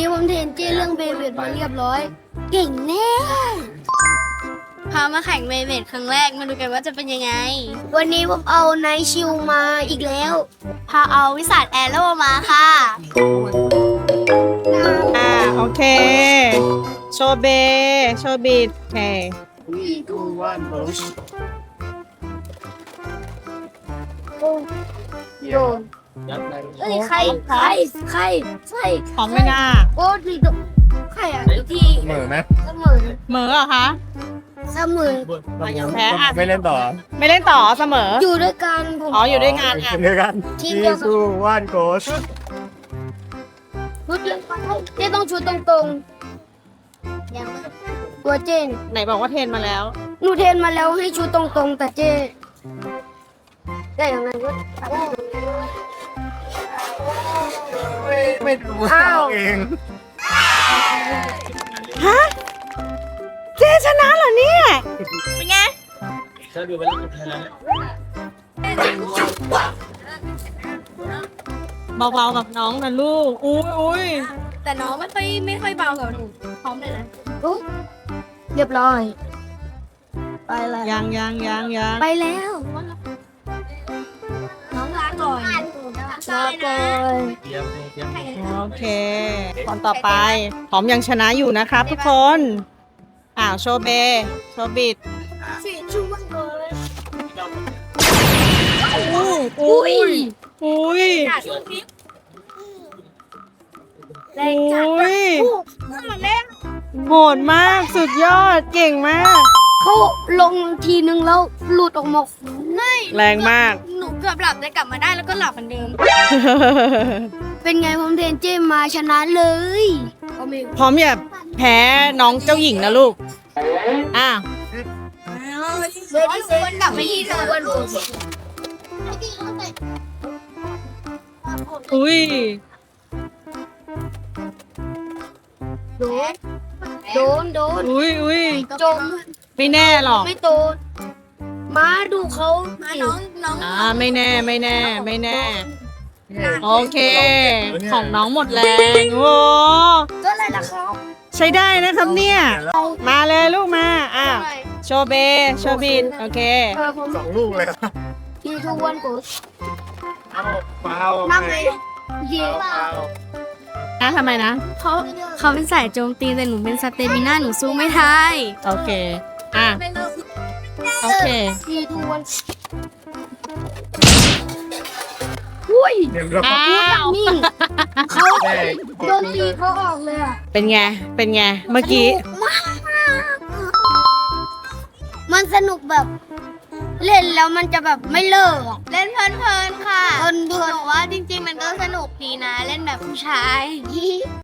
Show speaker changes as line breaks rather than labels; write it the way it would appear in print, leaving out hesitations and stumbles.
ผมเทรนเจ้เรื่องเบเบดมาเรียบร้อย เก่งแน่
พามาแข่งเบเบดครั้งแรกมาดูกันว่าจะเป็นยังไง
วันนี้ผมเอาไนท์ชิลมาอีกแล้ว
พาเอาวิสัทแอโร่มาค่ะ
โอเค โชว์เบโชว์บิดโอเค
โดนเอ้ยใคร
พร้อมไหมน่า
โอ้ดีดใครอ่ะที่
เหม่อไหม
เสมอ
เหมอเหรอคะ
เสมอ
แพ้อ่ะ
ไม่เล่นต่อ
ไม่เล่นต่อเสมอ
อยู่ด้วยกันผม
อ๋ออยู่ด้วยกันอ่ะ
เดียวกัน
ทีมเดียวกัน
สู้ว่านโกช
ชุดเจ้ต้องชุดตรงๆยังตัวเจน
ไหนบอกว่าเทรนมาแล้ว
หนูเทรนมาแล้วให้ชุดตรงๆแต่เจ้ได้อย่างนั้นก็
ไม่รู้
อ้าว
เอง
ฮะ เจชนะเหรอเนี่ย
เป็นไง
เบาๆกับน้องนะลูก อุ้ย
แต่น้องไม่ค่อยเบากับหนูพร้อมเลยนะ
อุ๊ยเรียบร้อย ไปแล้ว
ยัง
ไปแล้ว
น้องลาก่อน
ลาก่อน
โอเคตอนต่อไปพร้อมยังชนะอยู่นะครับทุกคน โชว์เบโชว์บิด
ช่วยก่อน
อุ้ย
แรงจัด
อุ้ยโหดมากสุดยอดเก่งมาก
เขาลงทีนึงแล้วหลุดออกมา
แรงมาก
หนูเกือบหลับแต่กลับมาได้แล้วก็หลับเหมือนเดิม
เป็นไงผมเทรนเจมมาชนะเลย
พร้อมอย่าแพ้น้องเจ้าหญิงนะลูกอ้าว
วนกลับไปที่เดิม
อุ้ย
โดนโดน
อุ้ย
จม
ไม่แน่หรอก
ไม่โดนมาดูเขา
มาน้อง
ไม่แน่ โอเค ของน้องหมดแรงโอ้
ก็อะไรล่ะครับ
ใช้ได้นะครับเนี่ย มาเลยลูกมาโชว์เบโชว์บิดโอเค
ผม
2 ลูกเลย
ทีทุกวันกู
เปล่า
นั่งเลยเย่
ทำไมนะ
เขาเป็นสายโจมตีแต่หนูเป็นสเตมิน่าหนูสู้ไม่ได้
โอเค โอเค
ทีทุกวันอุ้ย
เดี๋ยวเรา
อ้าว
นิ่งเขาโดนตีเขาออกเลยอ่ะ
เป็นไง เมื่อกี้
มันสนุกแบบเล่นแล้วมันจะแบบไม่เลิกอะ
เล่นเพลินๆค่ะ
เพลิน
หนูว่าจริงๆมันก็สนุกดีนะ เล่นแบบผู้ชาย